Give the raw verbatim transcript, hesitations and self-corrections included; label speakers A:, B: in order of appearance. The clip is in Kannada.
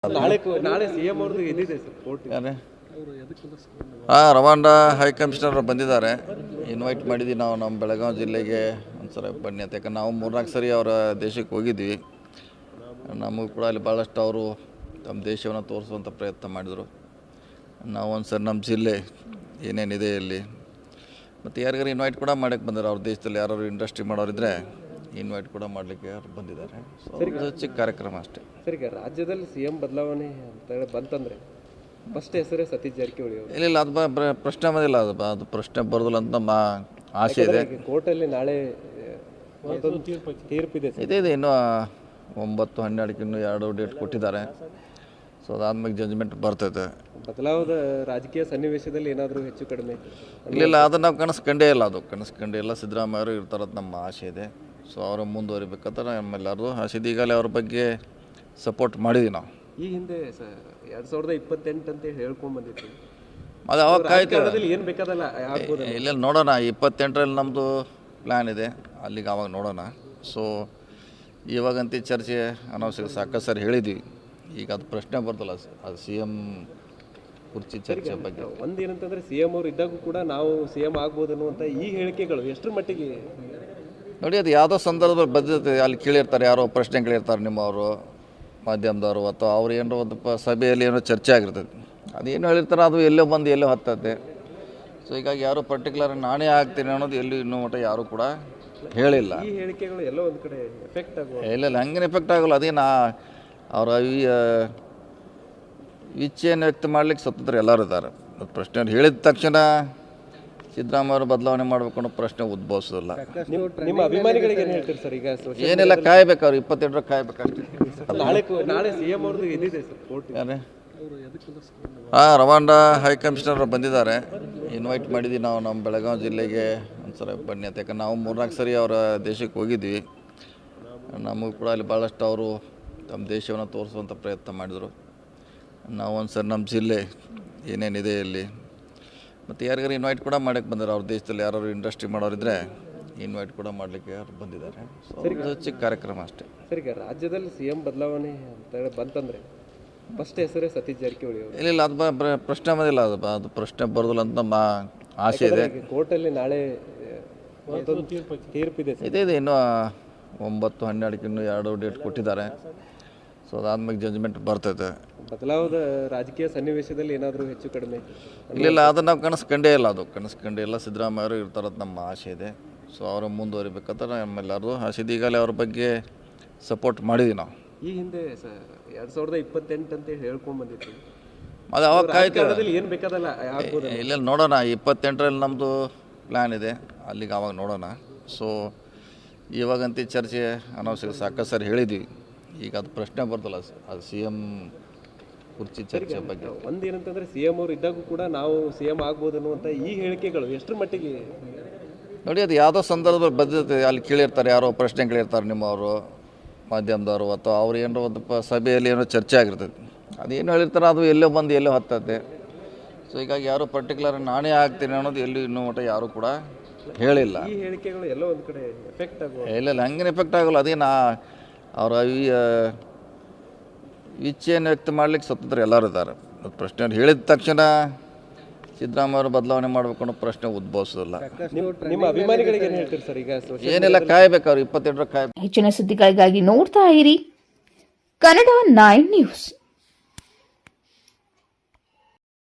A: ನಾಳೆ ನಾಳೆ ಸಿಎಂ ಅವ್ರದ್ದು ಎಲ್ಲಿದೆ ಸರ್ ಕೋರ್ಟ್?
B: ಹಾಂ, ರವಾಂಡಾ ಹೈ ಕಮಿಷನರ್ ಬಂದಿದ್ದಾರೆ. ಇನ್ವೈಟ್ ಮಾಡಿದ್ವಿ ನಾವು ನಮ್ಮ ಬೆಳಗಾವಿ ಜಿಲ್ಲೆಗೆ ಒಂದ್ಸಲ ಬನ್ನಿ ಅಂತ. ಯಾಕಂದ್ರೆ ನಾವು ಮೂರ್ನಾಲ್ಕು ಸರಿ ಅವರ ದೇಶಕ್ಕೆ ಹೋಗಿದ್ವಿ. ನಮಗೂ ಕೂಡ ಅಲ್ಲಿ ಭಾಳಷ್ಟು ಅವರು ತಮ್ಮ ದೇಶವನ್ನು ತೋರಿಸುವಂಥ ಪ್ರಯತ್ನ ಮಾಡಿದರು. ನಾವು ಒಂದು ಸರಿ ನಮ್ಮ ಜಿಲ್ಲೆ ಏನೇನಿದೆ ಇಲ್ಲಿ ಮತ್ತು ಯಾರಿಗಾರು ಇನ್ವೈಟ್ ಕೂಡ ಮಾಡೋಕ್ಕೆ ಬಂದಿದ್ದಾರೆ. ಅವ್ರ ದೇಶದಲ್ಲಿ ಯಾರು ಇಂಡಸ್ಟ್ರಿ ಮಾಡೋರಿದ್ದರೆ ಇನ್ವೈಟ್ ಕೂಡ ಮಾಡಲಿಕ್ಕೆ ಯಾರು ಬಂದಿದ್ದಾರೆ. ಸೊ ಚಿಕ್ಕ ಕಾರ್ಯಕ್ರಮ ಅಷ್ಟೇ.
A: ಸರ್, ಈಗ ರಾಜ್ಯದಲ್ಲಿ ಸಿ ಎಂ ಬದಲಾವಣೆ ಅಂತ ಹೇಳಿ ಬಂತಂದರೆ ಫಸ್ಟ್ ಹೆಸರೇ ಸತೀಶ್ ಜಾರಕಿಹೊಳಿ ಅವರು.
B: ಇಲ್ಲ ಇಲ್ಲ ಅದು ಬ ಪ್ರಶ್ನೆ ಬಂದಿಲ್ಲ. ಅದು ಅದು ಪ್ರಶ್ನೆ ಬರೋದಿಲ್ಲ ಅಂತ ನಮ್ಮ ಆಸೆ ಇದೆ.
A: ಕೋರ್ಟಲ್ಲಿ ನಾಳೆ ತೀರ್ಪಿದೆ
B: ಇದೆ ಇದೆ ಇನ್ನೂ ಒಂಬತ್ತು ಹನ್ನೆರಡಕ್ಕೆ ಇನ್ನೂ ಎರಡು ಡೇಟ್ ಕೊಟ್ಟಿದ್ದಾರೆ. ಸೊ ಅದಾದ್ಮೇಲೆ ಜಜ್ಮೆಂಟ್ ಬರ್ತೈತೆ.
A: ಬದಲಾವದ ರಾಜಕೀಯ ಸನ್ನಿವೇಶದಲ್ಲಿ ಏನಾದರೂ ಹೆಚ್ಚು ಕಡಿಮೆ
B: ಇಲ್ಲ ಇಲ್ಲ ಅದು ನಾವು ಕನಸು ಕಂಡೇ ಇಲ್ಲ. ಅದು ಕನಸು ಕಂಡೇ ಇಲ್ಲ. ಸಿದ್ದರಾಮಯ್ಯ ಅವರು ಇರ್ತಾರದು ನಮ್ಮ ಆಸೆ ಇದೆ. ಸೊ ಅವರು ಮುಂದುವರಿಬೇಕಂತ ನಮ್ಮೆಲ್ಲರದು ಆಸೆ ಇದೆ. ಈಗಲೇ ಅವ್ರ ಬಗ್ಗೆ ಸಪೋರ್ಟ್ ಮಾಡಿದ್ವಿ ನಾವು.
A: ಈ ಹಿಂದೆ ಎರಡು ಸಾವಿರದ ಇಪ್ಪತ್ತೆಂಟು ಅಂತ ಹೇಳ್ಕೊಂಡು ಬಂದಿತ್ತು.
B: ಅದು ಅವಾಗ ಕಾಯ್ತು.
A: ಏನು ಬೇಕಾದಲ್ಲ ಆಗ್ಬೋದು.
B: ಇಲ್ಲ ನೋಡೋಣ. ಇಪ್ಪತ್ತೆಂಟರಲ್ಲಿ ನಮ್ಮದು ಪ್ಲ್ಯಾನ್ ಇದೆ. ಅಲ್ಲಿಗೆ ಆವಾಗ ನೋಡೋಣ. ಸೊ ಇವಾಗಂತೂ ಚರ್ಚೆ ಅನವಶ್ಯಕ ಸಾಕಷ್ಟು ಸರಿ ಹೇಳಿದ್ವಿ. ಈಗ ಅದು ಪ್ರಶ್ನೆ ಬರ್ತಲ್ಲ ಅದು ಸಿ ಎಮ್ ಕುರ್ಚಿ ಚರ್ಚೆ ಬಗ್ಗೆ.
A: ಒಂದೇನಂತಂದರೆ ಸಿ ಎಮ್ ಅವರು ಇದ್ದಾಗೂ ಕೂಡ ನಾವು ಸಿ ಎಮ್ ಆಗ್ಬೋದು ಅನ್ನುವಂಥ ಈ ಹೇಳಿಕೆಗಳು ಎಷ್ಟರ ಮಟ್ಟಿಗೆ
B: ನೋಡಿ, ಅದು ಯಾವುದೋ ಸಂದರ್ಭದಲ್ಲಿ ಬದ್ಧತೆ ಅಲ್ಲಿ ಕೇಳಿರ್ತಾರೆ. ಯಾರೋ ಪ್ರಶ್ನೆ ಕೇಳಿರ್ತಾರೆ ನಿಮ್ಮವರು ಮಾಧ್ಯಮದವರು ಅಥವಾ ಅವ್ರು ಏನೋ ಒಂದು ಪ ಸಭೆಯಲ್ಲಿ ಏನೋ ಚರ್ಚೆ ಆಗಿರ್ತದೆ. ಅದೇನು ಹೇಳಿರ್ತಾರೆ ಅದು ಎಲ್ಲೋ ಬಂದು ಎಲ್ಲೋ ಹತ್ತತ್ತೆ. ಸೊ ಹೀಗಾಗಿ ಯಾರು ಪರ್ಟಿಕ್ಯುಲರ್ ನಾನೇ ಆಗ್ತೀನಿ ಅನ್ನೋದು ಎಲ್ಲೂ ಇನ್ನೂ ಮಟ್ಟ ಯಾರೂ ಕೂಡ ಹೇಳಿಲ್ಲ.
A: ಈ ಹೇಳಿಕೆಗಳು ಎಲ್ಲೋ ಒಂದು ಕಡೆ ಎಫೆಕ್ಟ್ ಆಗುವ
B: ಇಲ್ಲ ಇಲ್ಲ ಹಂಗೇನು ಎಫೆಕ್ಟ್ ಆಗೋಲ್ಲ. ಅದೇನು ಅವರ ಇಚ್ಛೆಯನ್ನು ವ್ಯಕ್ತ ಮಾಡ್ಲಿಕ್ಕೆ ಸ್ವತಂತ್ರ ಎಲ್ಲರೂ ಇದ್ದಾರೆ. ಅದು ಪ್ರಶ್ನೆ ಹೇಳಿದ ತಕ್ಷಣ ಸಿದ್ದರಾಮಯ್ಯ ಅವರು ಬದಲಾವಣೆ ಮಾಡಬೇಕು ಅನ್ನೋ ಪ್ರಶ್ನೆ ಉದ್ಭವಿಸೋದಿಲ್ಲ.
A: ನಿಮ್ಮ ಅಭಿಮಾನಿಗಳಿಗೆ ಏನು ಹೇಳ್ತೀರಿ ಸರ್? ಈಗ
B: ಏನೆಲ್ಲ ಕಾಯ್ಬೇಕು. ಅವ್ರು ಇಪ್ಪತ್ತೆಂಟರ ಕಾಯ್ಬೇಕಷ್ಟೇ.
A: ನಾಳೆ ನಾಳೆ ಸಿ ಎಂ ಅವ್ರದ್ದು ಎಲ್ಲಿದೆ ಸರ್ ಕೋರ್ಟ್?
B: ಯಾರೇ ಹಾಂ, ರವಾಂಡಾ ಹೈ ಕಮಿಷನರ್ ಬಂದಿದ್ದಾರೆ. ಇನ್ವೈಟ್ ಮಾಡಿದ್ವಿ ನಾವು ನಮ್ಮ ಬೆಳಗಾವಿ ಜಿಲ್ಲೆಗೆ ಒಂದ್ಸಲ ಬನ್ನಿ ಅಂತ. ಯಾಕಂದ್ರೆ ನಾವು ಮೂರ್ನಾಲ್ಕು ಸರಿ ಅವರ ದೇಶಕ್ಕೆ ಹೋಗಿದ್ವಿ. ನಮಗೂ ಕೂಡ ಅಲ್ಲಿ ಭಾಳಷ್ಟು ಅವರು ತಮ್ಮ ದೇಶವನ್ನು ತೋರಿಸುವಂಥ ಪ್ರಯತ್ನ ಮಾಡಿದರು. ನಾವು ಒಂದು ಸರಿ ನಮ್ಮ ಜಿಲ್ಲೆ ಏನೇನಿದೆ ಇಲ್ಲಿ ಮತ್ತು ಯಾರಿಗಾರು ಇನ್ವೈಟ್ ಕೂಡ ಮಾಡೋಕ್ಕೆ ಬಂದಿದ್ದಾರೆ. ಅವ್ರ ದೇಶದಲ್ಲಿ ಯಾರು ಇಂಡಸ್ಟ್ರಿ ಮಾಡೋರಿದ್ದರೆ ಇನ್ವೈಟ್ ಕೂಡ ಮಾಡಲಿಕ್ಕೆ ಯಾರು ಬಂದಿದ್ದಾರೆ. ಸೊ ಚಿಕ್ಕ ಕಾರ್ಯಕ್ರಮ ಅಷ್ಟೇ.
A: ಸರ್, ಈಗ ರಾಜ್ಯದಲ್ಲಿ ಸಿ ಎಂ ಬದಲಾವಣೆ ಅಂತ ಹೇಳಿ ಬಂತಂದರೆ ಫಸ್ಟ್ ಹೆಸರೇ ಸತೀಶ್ ಜಾರಕಿಹೊಳಿ ಅವರು.
B: ಇಲ್ಲ ಇಲ್ಲ ಅದು ಬ ಪ್ರಶ್ನೆ ಬಂದಿಲ್ಲ. ಅದು ಅದು ಪ್ರಶ್ನೆ ಬರೋದಿಲ್ಲ ಅಂತ ನಮ್ಮ ಆಸೆ ಇದೆ.
A: ಕೋರ್ಟಲ್ಲಿ ನಾಳೆ ತೀರ್ಪಿದೆ
B: ಇದೆ ಇದೆ ಇನ್ನೂ ಒಂಬತ್ತು ಹನ್ನೆರಡಕ್ಕೆ ಇನ್ನೂ ಎರಡು ಡೇಟ್ ಕೊಟ್ಟಿದ್ದಾರೆ. ಸೊ ಅದಾದ್ಮೇಲೆ ಜಜ್ಮೆಂಟ್ ಬರ್ತೈತೆ.
A: ಬದಲಾವದ ರಾಜಕೀಯ ಸನ್ನಿವೇಶದಲ್ಲಿ ಏನಾದರೂ ಹೆಚ್ಚು ಕಡಿಮೆ
B: ಇಲ್ಲ ಇಲ್ಲ ಅದು ನಾವು ಕನಸು ಕಂಡೇ ಇಲ್ಲ. ಅದು ಕನಸು ಕಂಡೇ ಇಲ್ಲ. ಸಿದ್ದರಾಮಯ್ಯ ಅವರು ಇರ್ತಾರದು ನಮ್ಮ ಆಸೆ ಇದೆ. ಸೊ ಅವರು ಮುಂದುವರಿಬೇಕಂತ ನಮ್ಮೆಲ್ಲರದು ಆಸೆ ಇದೆ. ಈಗಲೇ ಅವ್ರ ಬಗ್ಗೆ ಸಪೋರ್ಟ್ ಮಾಡಿದ್ವಿ ನಾವು.
A: ಈ ಹಿಂದೆ ಎರಡು ಸಾವಿರದ ಇಪ್ಪತ್ತೆಂಟು ಅಂತ ಹೇಳ್ಕೊಂಡು ಬಂದಿತ್ತು.
B: ಅದು ಅವಾಗ ಕಾಯ್ತು.
A: ಏನು ಬೇಕಾದಲ್ಲ ಆಗ್ಬೋದು.
B: ಇಲ್ಲ ನೋಡೋಣ. ಇಪ್ಪತ್ತೆಂಟರಲ್ಲಿ ನಮ್ಮದು ಪ್ಲ್ಯಾನ್ ಇದೆ. ಅಲ್ಲಿಗೆ ಆವಾಗ ನೋಡೋಣ. ಸೊ ಇವಾಗಂತೂ ಚರ್ಚೆ ಅನವಶ್ಯಕ ಸಾಕಷ್ಟು ಸರಿ ಹೇಳಿದ್ವಿ. ಈಗ ಅದು ಪ್ರಶ್ನೆ ಬರ್ತಲ್ಲ ಅದು ಸಿ ಎಮ್ ಕುರ್ಚಿ ಚರ್ಚೆ ಬಗ್ಗೆ.
A: ಒಂದೇನಂತಂದರೆ ಸಿ ಎಂ ಅವರು ಇದ್ದಾಗೂ ಕೂಡ ನಾವು ಸಿ ಎಮ್ ಆಗ್ಬೋದು ಅನ್ನುವಂಥ ಈ ಹೇಳಿಕೆಗಳು ಎಷ್ಟರ ಮಟ್ಟಿಗೆ
B: ನೋಡಿ, ಅದು ಯಾವುದೋ ಸಂದರ್ಭದಲ್ಲಿ ಬದ್ಧತೆ ಅಲ್ಲಿ ಕೇಳಿರ್ತಾರೆ. ಯಾರೋ ಪ್ರಶ್ನೆ ಕೇಳಿರ್ತಾರೆ ನಿಮ್ಮವರು ಮಾಧ್ಯಮದವರು ಅಥವಾ ಅವ್ರು ಏನೋ ಒಂದು ಪ ಸಭೆಯಲ್ಲಿ ಏನೋ ಚರ್ಚೆ ಆಗಿರ್ತದೆ. ಅದೇನು ಹೇಳಿರ್ತಾರೆ ಅದು ಎಲ್ಲೋ ಬಂದು ಎಲ್ಲೋ ಹತ್ತತ್ತೆ. ಸೊ ಹೀಗಾಗಿ ಯಾರು ಪರ್ಟಿಕ್ಯುಲರ್ ನಾನೇ ಆಗ್ತೀನಿ ಅನ್ನೋದು ಎಲ್ಲೂ ಇನ್ನೂ ಮಟ್ಟ ಯಾರೂ ಕೂಡ ಹೇಳಿಲ್ಲ.
A: ಈ ಹೇಳಿಕೆಗಳು ಎಲ್ಲೋ ಒಂದು ಕಡೆ ಎಫೆಕ್ಟ್ ಆಗುವ
B: ಇಲ್ಲ ಇಲ್ಲ ಹಂಗೇನು ಎಫೆಕ್ಟ್ ಆಗೋಲ್ಲ. ಅದೇನು ಅವರ ಇಚ್ಛೆಯನ್ನು ವ್ಯಕ್ತ ಮಾಡ್ಲಿಕ್ಕೆ ಸ್ವತಂತ್ರ ಎಲ್ಲರೂ ಇದ್ದಾರೆ. ಅದು ಪ್ರಶ್ನೆ ಹೇಳಿದ ತಕ್ಷಣ ಸಿದ್ದರಾಮಯ್ಯ ಅವರು ಬದಲಾವಣೆ ಮಾಡಬೇಕು ಅನ್ನೋ ಪ್ರಶ್ನೆ ಉದ್ಭವಿಸೋದಿಲ್ಲ.
A: ನಿಮ್ಮ ಅಭಿಮಾನಿಗಳಿಗೆ ಏನು ಹೇಳ್ತೀರಿ ಸರ್? ಈಗ
B: ಏನೆಲ್ಲ ಕಾಯ್ಬೇಕು. ಅವ್ರು ಇಪ್ಪತ್ತೆಂಟರ ಕಾಯ್ಬೇಕು.
C: ಹೆಚ್ಚಿನ ಸುದ್ದಿಗಳಿಗಾಗಿ ನೋಡ್ತಾ ಇರಿ ಕನ್ನಡ ನೈನ್ ನ್ಯೂಸ್.